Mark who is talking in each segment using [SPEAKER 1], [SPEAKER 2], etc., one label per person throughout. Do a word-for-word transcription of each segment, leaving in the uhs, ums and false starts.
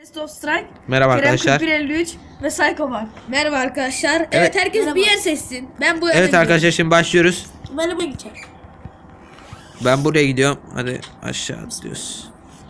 [SPEAKER 1] Best of Strike.
[SPEAKER 2] Merhaba
[SPEAKER 1] Kerem
[SPEAKER 2] arkadaşlar.
[SPEAKER 1] kırk bir elli üç ve Psycho var.
[SPEAKER 3] Merhaba arkadaşlar. Evet,
[SPEAKER 2] Evet.
[SPEAKER 3] herkes
[SPEAKER 1] Merhaba.
[SPEAKER 3] bir yer seçsin. Ben bu yere
[SPEAKER 2] Evet
[SPEAKER 3] gidiyorum.
[SPEAKER 2] arkadaşlar şimdi başlıyoruz.
[SPEAKER 3] Ben buraya gideceğim.
[SPEAKER 2] Ben buraya gidiyorum. Hadi aşağı atlıyoruz.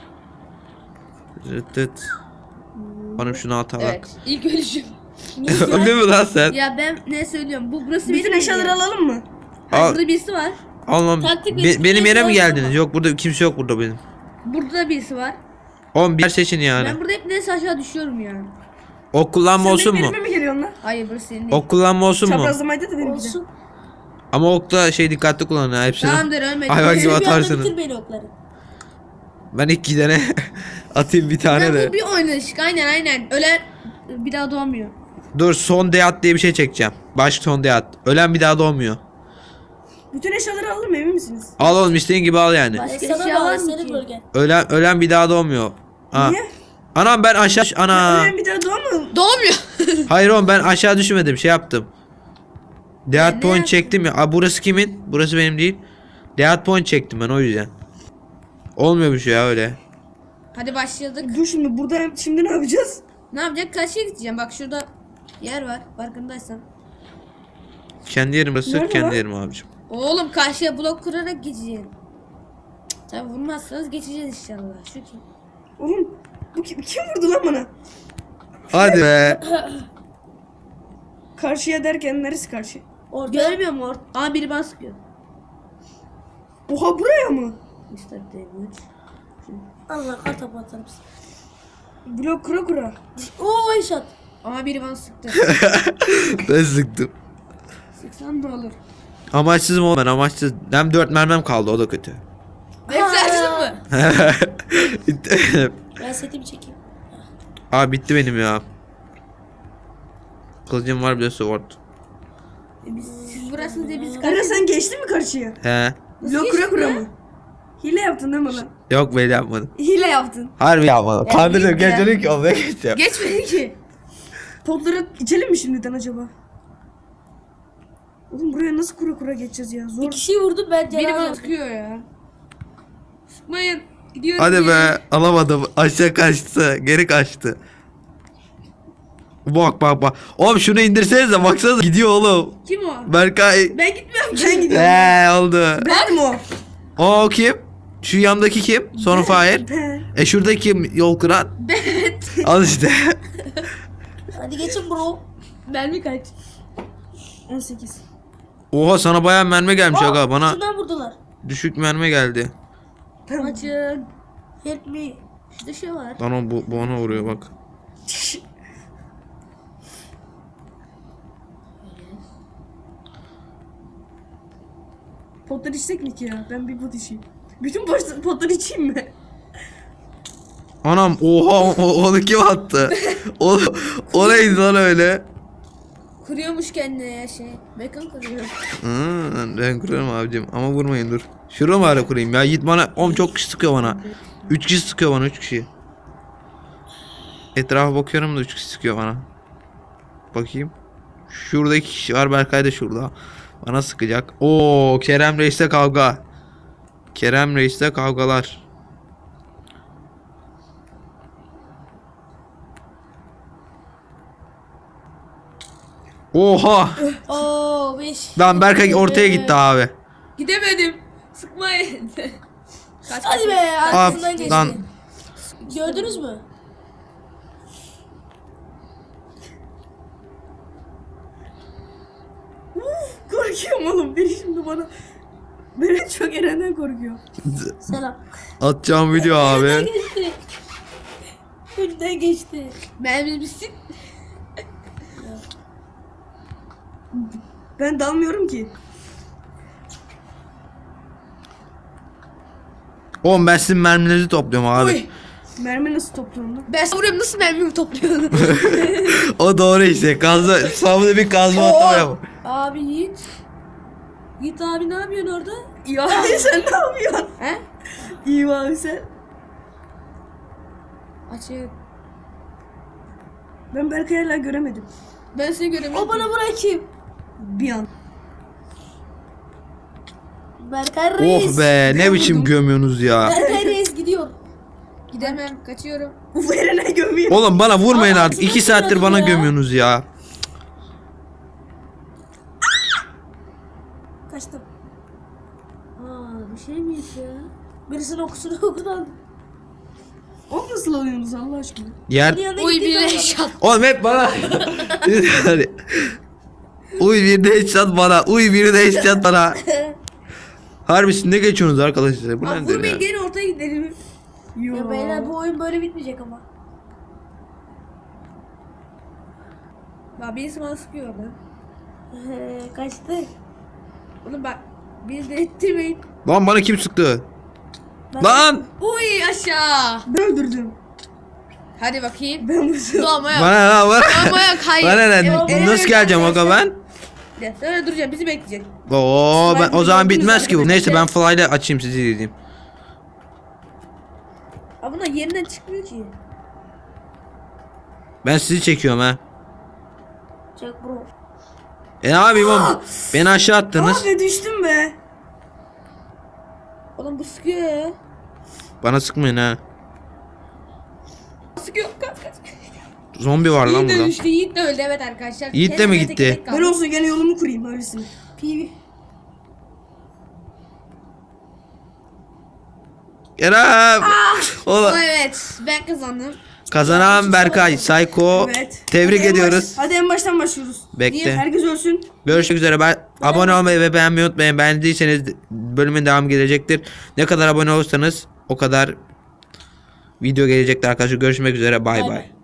[SPEAKER 2] Rıt rıt. Oğlum şunu at bak.
[SPEAKER 3] Evet. İlk ölüşüm.
[SPEAKER 2] Öldün mü lan sen?
[SPEAKER 3] Ya ben ne söylüyorum? Bu burası
[SPEAKER 1] Bütün
[SPEAKER 3] benim
[SPEAKER 1] eşyaları
[SPEAKER 3] yerim.
[SPEAKER 1] alalım mı?
[SPEAKER 3] Hayır,
[SPEAKER 2] Al.
[SPEAKER 3] burada birisi var.
[SPEAKER 2] Almam.
[SPEAKER 3] Taktik
[SPEAKER 2] Be-
[SPEAKER 3] bir-
[SPEAKER 2] benim yere mi
[SPEAKER 3] bir-
[SPEAKER 2] geldiniz? Yok burada kimse yok burada benim.
[SPEAKER 3] Burada da birisi var.
[SPEAKER 2] Oğlum bir yer seçin yani.
[SPEAKER 3] Ben burada hep neyse aşağı düşüyorum yani.
[SPEAKER 2] Ok kullanma
[SPEAKER 1] Sen
[SPEAKER 2] olsun
[SPEAKER 1] benim
[SPEAKER 2] mu?
[SPEAKER 1] elime mi geliyorsun lan?
[SPEAKER 3] Hayır burası senin değil.
[SPEAKER 2] Ok kullanma olsun mu?
[SPEAKER 1] Çaprazlamaydı da benimki de.
[SPEAKER 3] Olsun.
[SPEAKER 2] Ama okla şey dikkatli kullanın ha hepsini.
[SPEAKER 3] Tamamdır ölmedim.
[SPEAKER 2] Hayvan gibi
[SPEAKER 3] Bir anda
[SPEAKER 2] atarsınız.
[SPEAKER 3] bitir beni okları.
[SPEAKER 2] Ben iki tane atayım bir tane
[SPEAKER 3] Ben
[SPEAKER 2] de.
[SPEAKER 3] bu bir oynayışık. Aynen aynen. Ölen bir daha doğmuyor.
[SPEAKER 2] Dur son deyat diye bir şey çekeceğim. Başka son deyat. Ölen bir daha doğmuyor.
[SPEAKER 1] Bütün eşyaları alalım mı, emin misiniz?
[SPEAKER 2] Al oğlum istediğin gibi al yani.
[SPEAKER 3] Başka
[SPEAKER 4] Sana
[SPEAKER 3] eşya var
[SPEAKER 4] bağlı
[SPEAKER 3] mı
[SPEAKER 4] senin
[SPEAKER 3] ki?
[SPEAKER 4] bölgen.
[SPEAKER 2] Ölen ölen bir daha doğmuyor. Ha.
[SPEAKER 1] Niye?
[SPEAKER 2] Anam ben aşağı ana.
[SPEAKER 1] Ölen bir daha doğma.
[SPEAKER 3] Doğmuyor.
[SPEAKER 2] Hayır oğlum ben aşağı düşmedim şey yaptım. Death
[SPEAKER 3] ne
[SPEAKER 2] point
[SPEAKER 3] yaptın?
[SPEAKER 2] çektim ya. Aa, burası kimin? Burası benim değil. Death point çektim ben o yüzden. Olmuyormuş ya öyle.
[SPEAKER 3] Hadi başladık.
[SPEAKER 1] Dur şimdi burada şimdi ne yapacağız?
[SPEAKER 3] Ne yapacak? Karşıya gideceğim. Bak şurada yer var. Farkındaysan.
[SPEAKER 2] Kendi yerim burası,
[SPEAKER 1] Nerede
[SPEAKER 2] kendi
[SPEAKER 1] lan?
[SPEAKER 2] yerim abicim.
[SPEAKER 3] Oğlum karşıya blok kurarak geçeceğim. Tabi vurmazsanız geçeceğiz inşallah. Şu kim?
[SPEAKER 1] Oğlum bu kim, kim vurdu lan bana?
[SPEAKER 2] Hadi be.
[SPEAKER 1] Karşıya derken neresi karşı?
[SPEAKER 4] Orada.
[SPEAKER 3] Görmüyor mu orada? Aa biri bana sıkıyor.
[SPEAKER 1] Oha buraya mı?
[SPEAKER 3] mister Damage.
[SPEAKER 4] Allah kartopu atar mısın?
[SPEAKER 1] Blok kura kura.
[SPEAKER 4] Oo eşat.
[SPEAKER 3] Aa biri bana sıktı.
[SPEAKER 2] Ben sıktım.
[SPEAKER 3] Sıksan ne olur?
[SPEAKER 2] Amaçsızım oğlum ben amaçsız. Hem dört mermim kaldı o da kötü.
[SPEAKER 3] Hepsi açtın mı?
[SPEAKER 4] Ben setimi çekeyim.
[SPEAKER 2] Abi bitti benim ya. Kılıcım var bir de sword.
[SPEAKER 3] Siz burasınız diye biz
[SPEAKER 1] Kara
[SPEAKER 3] karşı...
[SPEAKER 1] sen geçtin mi karşıya?
[SPEAKER 2] He.
[SPEAKER 1] Blok kura kura mı? Hile yaptın değil mi lan?
[SPEAKER 2] Yok ben yapmadım.
[SPEAKER 1] Hile yaptın.
[SPEAKER 2] Harbi yapmadım. Kandırdım.
[SPEAKER 3] ya.
[SPEAKER 2] Geçelim ki olmaya geçeceğim.
[SPEAKER 3] Geçmedi ki.
[SPEAKER 1] Potları içelim mi şimdiden acaba? Oğlum buraya nasıl kura kura geçeceğiz ya? Zor.
[SPEAKER 4] Bir kişiyi vurdum ben
[SPEAKER 3] Biri bana
[SPEAKER 4] cenaze.
[SPEAKER 3] sıkıyor ya. Sıkmayın. Gidiyorum.
[SPEAKER 2] Hadi
[SPEAKER 3] geri.
[SPEAKER 2] be alamadım. Aşağı kaçtı. Geri kaçtı. Bak bak bak. Oğlum şunu indirsenize baksanıza gidiyor oğlum.
[SPEAKER 3] Kim o?
[SPEAKER 2] Berkay.
[SPEAKER 3] Ben gitmiyorum ki.
[SPEAKER 1] Ben gidiyorum.
[SPEAKER 2] Eee oldu.
[SPEAKER 1] Ben mi o?
[SPEAKER 2] O kim? Şu yandaki kim? Sonu Fahir.
[SPEAKER 1] Ben.
[SPEAKER 2] E şuradaki kim yol kıran?
[SPEAKER 3] Evet.
[SPEAKER 2] Al işte.
[SPEAKER 4] Hadi geçin bro.
[SPEAKER 3] Mermi kaç?
[SPEAKER 1] on sekiz.
[SPEAKER 2] Oha sana bayağı mermi gelmiş aga. Bana
[SPEAKER 4] Şundan vurdular.
[SPEAKER 2] düşük mermi geldi.
[SPEAKER 1] Tamam.
[SPEAKER 3] Açın.
[SPEAKER 4] Help me.
[SPEAKER 3] Şurada şey var.
[SPEAKER 2] Lan o bu, bu ona vuruyor bak.
[SPEAKER 1] Potları içsek mi ki ya? Ben bir pot içeyim. Bütün pot- potları içeyim mi?
[SPEAKER 2] Anam oha o, onu kim attı? O, o neydi lan öyle?
[SPEAKER 3] Kuruyormuş kendine ya şey. Mekan kuruyor.
[SPEAKER 2] Hı, ben kuruyorum abicim ama vurmayın dur. Şuraya mı ara kurayım ya? Yiğit bana oğlum çok kişi sıkıyor bana. Üç kişi sıkıyor bana üç kişi. Etrafa bakıyorum da üç kişi sıkıyor bana. Bakayım. Şurada iki kişi var, Berkay da şurada. Bana sıkacak. Oo Kerem Reis'te kavga. Kerem Reis'te kavgalar. Oha!
[SPEAKER 4] Oo beş.
[SPEAKER 2] Lan Berkay ortaya gitti abi.
[SPEAKER 3] Gidemedim. Sıkmayın. Kaç
[SPEAKER 4] Hadi be
[SPEAKER 2] Abi,
[SPEAKER 4] arkasından geçti.
[SPEAKER 2] lan.
[SPEAKER 4] Gördünüz mü?
[SPEAKER 1] Uf, korkuyorum oğlum. Biri şimdi bana... Beni çok Eren'den korkuyor.
[SPEAKER 4] Selam.
[SPEAKER 2] Atacağım video abi.
[SPEAKER 4] Geçti. Önünden geçti.
[SPEAKER 3] Mermimiz bitsin.
[SPEAKER 1] Ben dalmıyorum ki.
[SPEAKER 2] Oğlum ben sizin mermilerinizi topluyorum abi.
[SPEAKER 3] Uy.
[SPEAKER 1] Mermi nasıl topluyorum lan?
[SPEAKER 3] Ben vuruyorum nasıl mermimi topluyorsun?
[SPEAKER 2] O doğru işte. Kazma, savunma bir kazma atlama yap.
[SPEAKER 4] Abi Yiğit. Yiğit abi ne yapıyorsun orada?
[SPEAKER 1] İyi abi sen ne yapıyorsun?
[SPEAKER 3] He?
[SPEAKER 1] İyi abi sen.
[SPEAKER 3] Açık.
[SPEAKER 1] Ben Berkay'ı hala göremedim.
[SPEAKER 3] Ben seni göremiyorum.
[SPEAKER 4] O bana bırakayım.
[SPEAKER 1] Bir an.
[SPEAKER 4] Berkay Reis.
[SPEAKER 2] Oh be ne biçim gömüyorsunuz ya.
[SPEAKER 4] Berkay Reis gidiyor.
[SPEAKER 3] Gidemem. Kaçıyorum.
[SPEAKER 1] Bu verene gömüyor.
[SPEAKER 2] Oğlum bana vurmayın
[SPEAKER 3] Aa,
[SPEAKER 2] artık. iki
[SPEAKER 3] altına
[SPEAKER 2] saattir
[SPEAKER 3] sığmadım
[SPEAKER 2] bana
[SPEAKER 3] ya.
[SPEAKER 2] gömüyorsunuz ya.
[SPEAKER 4] Kaçtım.
[SPEAKER 3] Aa, bir şey miymiş ya?
[SPEAKER 4] Birisinin okusunu okudan.
[SPEAKER 1] O nasıl alıyorsunuz Allah aşkına?
[SPEAKER 2] Yer.
[SPEAKER 3] Uy bir headshot.
[SPEAKER 2] Oğlum hep bana. Uy bir de headshot bana. Uy bir de headshot bana. Harbi siz ne geçiyorsunuz arkadaşlar? Bu
[SPEAKER 3] Abi
[SPEAKER 2] nedir
[SPEAKER 3] vurmayın
[SPEAKER 2] ya?
[SPEAKER 3] gelin ortaya gidelim.
[SPEAKER 1] Yo.
[SPEAKER 4] Ya beyler bu oyun böyle bitmeyecek ama.
[SPEAKER 3] Bak birisi bana sıkıyor lan.
[SPEAKER 4] Ee, kaçtı.
[SPEAKER 3] Oğlum bak beni de ettirmeyin.
[SPEAKER 2] Lan bana kim sıktı?
[SPEAKER 4] Ben-
[SPEAKER 2] Lan!
[SPEAKER 3] Uy aşağı.
[SPEAKER 1] Ben öldürdüm.
[SPEAKER 3] Hadi bakayım.
[SPEAKER 1] Ben vurdum.
[SPEAKER 3] Doğma yok.
[SPEAKER 2] Bana lan bana.
[SPEAKER 3] Doğma yok hayır.
[SPEAKER 2] Bana ne?
[SPEAKER 3] Evet,
[SPEAKER 2] Nasıl geleceğim aga ben?
[SPEAKER 3] evet. Öyle duracağım bizi bekleyecek.
[SPEAKER 2] Oo ben o zaman bitmez ki bu.
[SPEAKER 3] arkadaşlar.
[SPEAKER 2] Neyse ben fly'la açayım sizi izleyeyim.
[SPEAKER 3] Abi bunlar yerinden çıkmıyor ki.
[SPEAKER 2] Ben sizi çekiyorum ha.
[SPEAKER 4] Çek bro.
[SPEAKER 2] E ne yapayım oğlum? Beni aşağı attınız.
[SPEAKER 1] Abi düştüm be.
[SPEAKER 3] Oğlum bu sıkıyor ya.
[SPEAKER 2] Bana sıkmayın ha.
[SPEAKER 3] Sıkıyor kaç kaç.
[SPEAKER 2] Zombi var lan
[SPEAKER 3] Yiğit de
[SPEAKER 2] burada.
[SPEAKER 3] düştü Yiğit de öldü evet arkadaşlar.
[SPEAKER 2] Yiğit de
[SPEAKER 3] Kendime
[SPEAKER 2] mi
[SPEAKER 3] tek
[SPEAKER 2] gitti?
[SPEAKER 3] tek kaldı.
[SPEAKER 1] Ben olsa gene yolumu kurayım öylesine.
[SPEAKER 3] P V.
[SPEAKER 2] Kerem. Oğlum.
[SPEAKER 3] Evet ben kazandım.
[SPEAKER 2] Kazanan Berkay. Psycho.
[SPEAKER 1] Evet.
[SPEAKER 2] Tebrik
[SPEAKER 1] Hadi en
[SPEAKER 2] ediyoruz.
[SPEAKER 1] baş- hadi en baştan başlıyoruz.
[SPEAKER 2] Bekle.
[SPEAKER 1] Herkes ölsün.
[SPEAKER 2] Görüşmek üzere. Ben abone olmayı ve beğenmeyi unutmayın. Beğendiyseniz bölümün devamı gelecektir. Ne kadar abone olursanız o kadar video gelecektir arkadaşlar. Görüşmek üzere. Bay
[SPEAKER 3] Bay
[SPEAKER 2] bay.
[SPEAKER 3] bay.